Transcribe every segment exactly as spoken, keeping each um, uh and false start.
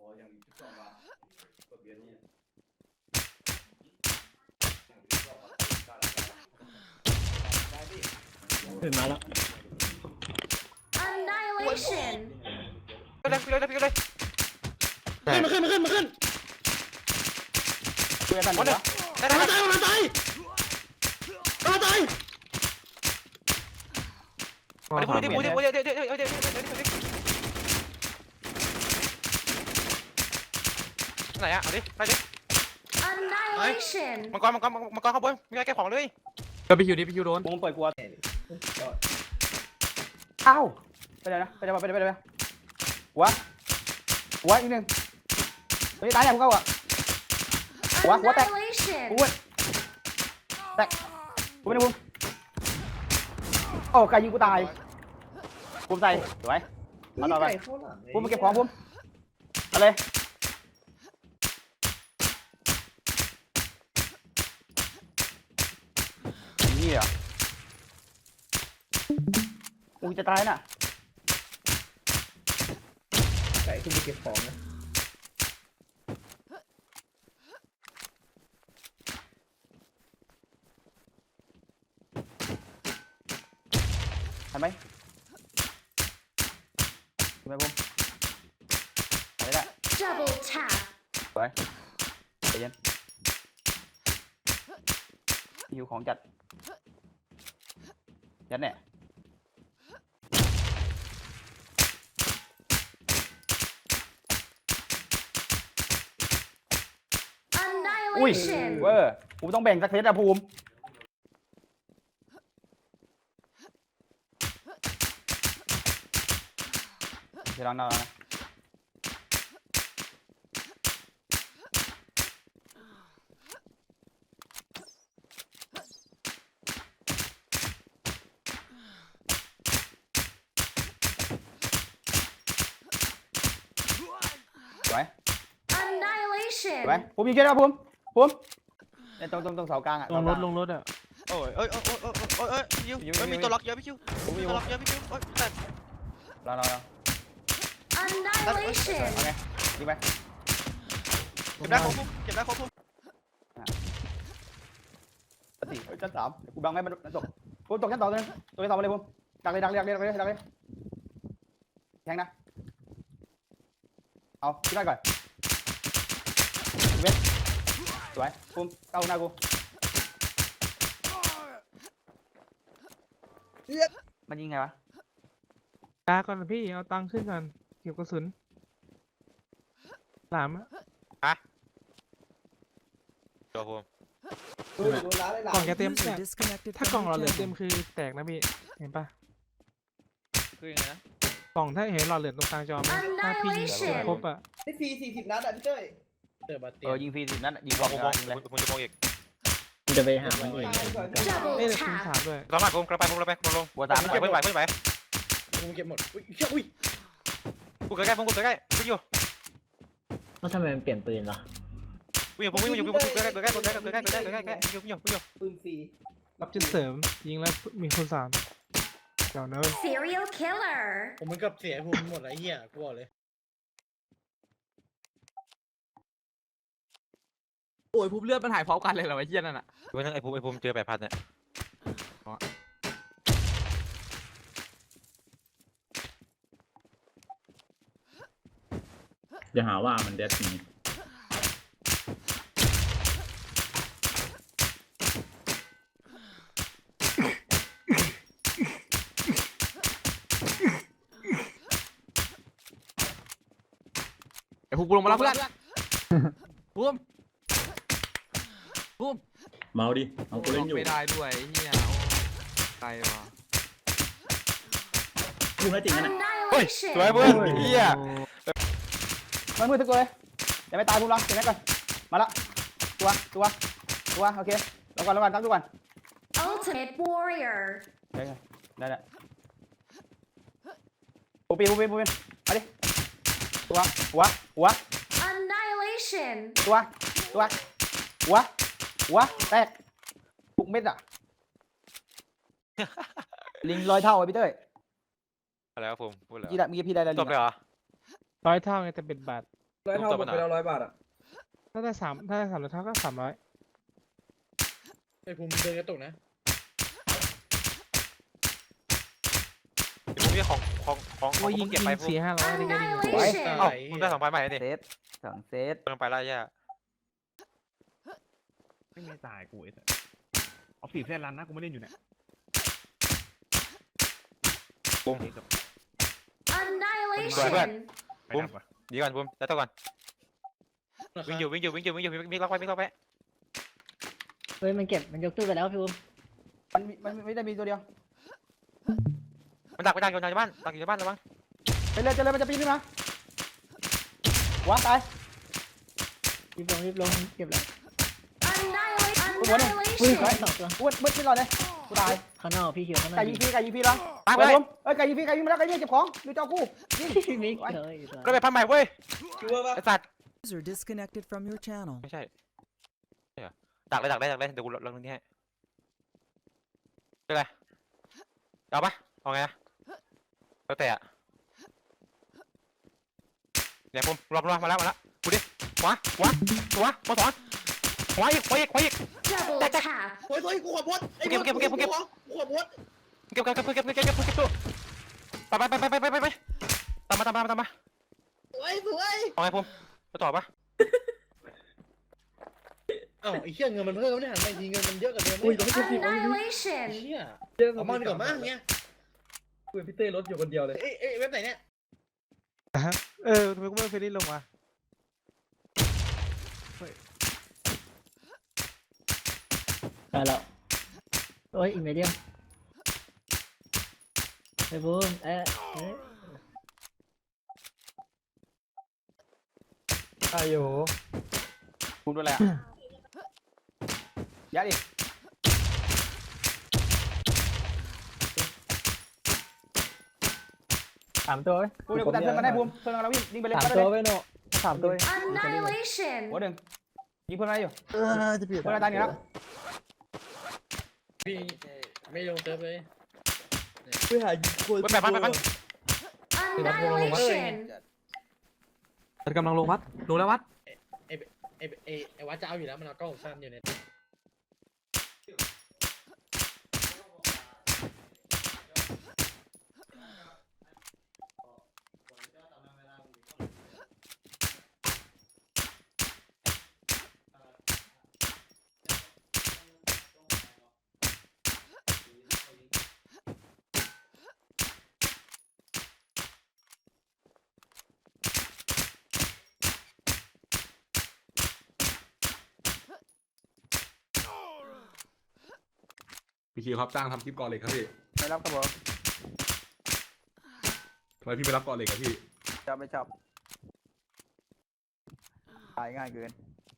ขึ้นมาแล้ว Annihilation ไปเลยไปเลยไปเลยขึ้นมาขึ้นมาขึ้นมาขึ้นคุยกันหมดแล้วได้ได้มาได้ตายมาตายมาตายมาดิปูดิปูดิปูดิเดี๋ยวเดี๋ยวเดี๋ยวเดี๋ยวเดี๋ยวเดี๋ยวเดี๋ยวไหนอะเอาดิไปดิ Annihilation มังกรมังกรมังกรข้างบนมีอะไรแก้ของเลยก็ไปอยู่ดิไปอยู่โดนมึงเปิดกลัวอ้าวไปเลยนะไปเลยไปเลยไปเลยหัวหัวอีกหนึ่งเฮ้ยตายเนี่ยพวกเขาอ่ะหัวหัวแตก Annihilation กูแตกกูไม่ได้บุ้มโอ้ไก่ยิงกูตายบุ้มใส่สวยเอาต่อไปบุ้มมาเก็บของบุ้มเอาเลยนี่เหรอกูจะตายน่ะไก่ขึ้นไปเก็บของนะทันไหมทันไหมบุ้มไปได้ Double tap สวยใจเย็นหิวของจัดยัดเนี่ยอุ้ย Annihilation เวอร์กูต้องแบ่งสักเซตอะภูมิเดี๋ยวลองเอานะสวย Annihilation สวยภูมิยิงเยอะนะภูมิภูมิเนี่ยตรงตรงตรงเสากลางอะลงรถลงรถอ่ะโอ้ยเอ้ยเอ้ยเอ้ยเอ้ยเอ้ยยิวเอ้ยมีตัวล็อกเยอะพี่คิวภูมิมียิงตัวล็อกเยอะพี่คิวโอ้ยแต่รอรอรอ Annihilation เอาไงยิงไปเก็บได้ครบปุ๊บเก็บได้ครบปุ๊บชั้นสี่เอ้ยชั้นสามเดี๋ยวกูบังให้มันตกภูมิตกชั้นสองตัวนึงตัวที่สองมาเลยภูมิดักเลยดักเลยดักเลยดักเลยดักเลยแทงนะเอาที่ได้ก่อนเว้นสวยภูมิเข้าหน้ากูมันยิงไงวะตาก่อนพี่เอาตังค์ขึ้นก่อนเก็บกระสุนสามอะตัวผมกล่องจะเต็มเนี่ยถ้ากล่องเราเหลือเต็มคือแตกนะพี่เห็นปะคือยังไงนะกล่องถ้าเห็นหลอดเหลือตรงกลางจอไหมถ้าพี่ยิงครบอะได้ฟรีสี่สิบนัดอ่ะพี่เต้ยเออยิงฟรีสิบนัดยิงมบออก งยิมองงเลยคุณจะมองอีกจะไปหามันเอง Double เล่นคูณ tap สามด้วยกลับมาผมกลับไปผมกลับไปผมลงหัวสามเก็บไว้ไหวไว้ไหวกูเก็บหมดอุ้ยเชี่ยอุ้ยกูใกล้ๆผมกูใกล้ๆพี่อยู่แล้วทำไมมันเปลี่ยนปืนล่ะกูอยู่ผมอยู่อยู่ผมใกล้ๆใกล้ๆใกล้ๆใกล้ๆใกล้ๆใกล้ๆใกล้ๆใกล้ๆอยู่อยู่อยู่ปืนฟรีรับจุดเสริมยิงแล้วมีคูณสามเดี๋ยวเนอะ Serial killer ผมมันกับเสียภูมิหมดไอ้เหี้ยกูบอกเลยโอ้ยภูมิเลือดมันหายพร้อมกันเลยเหรอไอ้เหี้ยนั่นอ่ะไว้ทั้งไอ้ภูมิไอ้ภูมิเจอแปดพันเนี่ยอย่าหาว่ามันเด็ดนี้ไอ้ภูมิกูลงมาแล้วเพื่อนภูมิภูมิเมาดิเอากูเล่นอยู่ไม่ได้ด้วยไอ้เหี้ยโอ้ไกลว่ะกูให้จริงนะเฮ้ย Annihilation สวยเพื่อนเฮียมันมือทุกตัวเลยอย่าไปตายภูมิลองเก็บไว้ก่อนมาละตัวตัวตัวโอเคลงก่อนลงก่อนตั้งทุกก่อน Ultimate Warrior ได้ได้ได้ปูปีปูปีปูปีมาดิตัวหัวหัว Annihilation ตัวตัวหัวหัวแตกทุกเม็ดอ่ะ ลิงลอยเท่าไอ้พี่เต้ยอะไรวะภูมิพูดแล้วพี่ได้เมื่อกี้พี่ได้แล้วลิจงบเลยเหรอร้อยเท่าไงแต่เป็นบาทร้อยเท่าหมดไปแล้วร้อยบาทอ่ะถ้าได้สามถ้าได้สามร้อยเท่าก็สามร้อยไอ้ภูมิเดินกระตุกนะผมมีของของของขอโอ้งยยิผมงเก็บไปยิงผมสี่ห้าร้อยได้แค่นี้ Annihilation เอ้ามึงได้สองพันใหม่ดิเซตสองเซตเพิ่งไปแล้วย่าไม่ไม่ตายกูไอ้สัสเอาฝีบแค่รันนะกูไม่เล่นอยู่เนี่ยปุ้ม Annihilation ไปดับวะดีก่อนปุ้มแล้วต่อก่อนวิ่งอยู่วิ่งอยู่วิ่งอยู่วิ่งอยู่วิ่งล็อกไปวิ่งล็อกไปเฮ้ยมันเก็บมันยกตู้ไปแล้วพี่บูมมันมีมันไม่ได้มีตัวเดียวมันดักไปดักอยู่ในบ้านดักอยู่ในบ้านระวังไปเลยเจเลยมันจะปีนขึ้นมาว้าตายรีบลงรีบลงเก็บแล้ว Annihilation อุ้ยร้อยสองตัวอ้วนมืดไม่รอดเลยกูตายข้างนอกพี่เขียวข้างนอกไก่ยิงพี่ไก่ยิงพี่แล้วตายไปเฮ้เลย ยเอ้ยไก่ยิงพี่ไก่ยิงมาแล้วไก่ยิงเก็บของดูเจ้ากูยิงพี่มิกเฮ้ยก็ไปพันใหม่เว้ยคิดว่าปะไอ้สัตว์ User disconnected from your channel. ไม่ใช่ใช่เหรอดักเลยดักเลยดักเลยเดี๋ยวกูลองนี่ให้เป็นไรเอาปะเอาไงอะแล้วแต่อะเนี่ยปุ้มรอบรอบมาแล้วมาแล้วกูดิขวาขวาขวามาสอนขวาอีกขวาอีกขวาอีก double tap โอ้ยโอ้ยกูขอโพสไอ้เก็บเก็บเก็บเก็บกูขอโพสเก็บเก็บเก็บเก็บเก็บเก็บเก็บเก็บตู้ไปไปไปไปไปไปไปตามมาตามมาตามมาสวยสวยเอาไงปุ้มไปต่อปะอ้าวไอ้เหี้ยเงินมันเพิ่มไม่หันมาทีเงินมันเยอะกว่าเดิมอุ้ยไอ้ต้องไปเก็บสิบเอาดิ Annihilation เหี้ยเยอะเอามันดีกว่ามั้งเงี้ยคุยพี่เต้รถอยู่คนเดียวเลยเอ้ยเอ้ยเว็บไหนเนี่ยเออทำไมกูไม่เอาเฟรนลี่ลงมาได้แล้วโอ้ยอีกเมเดียมไอ้บูมเอ๊ะเอ๊ะอายุกูดูแลยัดดิสามตัวเว้ยกูเดี๋ยวกูตัดเพื่อนมาได้ภูมิเพื่อนเราวิ่งวิ่งไปเลยสามไปตัวเลยเว้ยโน่สามตัวเว้ย Annihilation หัวหนึ่งยิงเพื่อนมาได้อยู่เออจะเปลี่ยนเพื่อนเราตายอยู่แล้วพี่ไม่ลงเซิร์ฟเลยไปหายิงคนไปไปไปไป Annihilation กำลังลงวัดลงแล้ววัดไอ้ไอ้ไอ้ไอ้วัดจะเอาอยู่แล้วมันเอากล้องสั้นอยู่เนี่ยพี่คิวครับจ้างทำคลิปก่อนเหล็กครับพี่ไม่รับกระบอกทำไมพี่ไม่รับก่อนเหล็กครับพี่ชอบไม่ชอบตายง่ายเกิน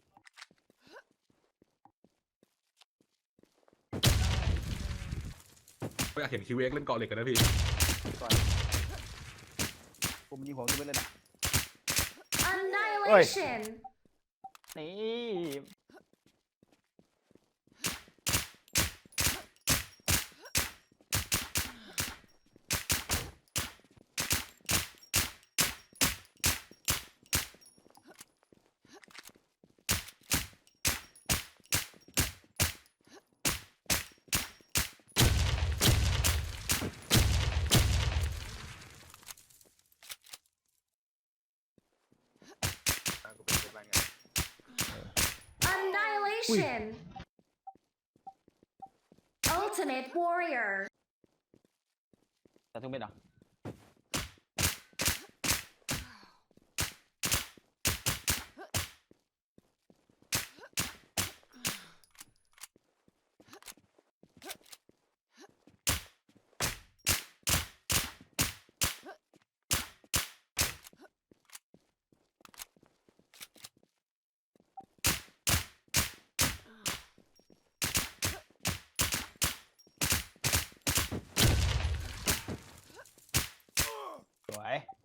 ไม่อยากเห็นคิวเอ็กเล่นก่อนเหล็กกันนะพี่ก่อนผมยิงหัวตัวไปเลยนะ Annihilation นี่กูเป็นคนบ้านไง Annihilation Ultimate Warrior แต่ทุกเม็ดเหรอสวย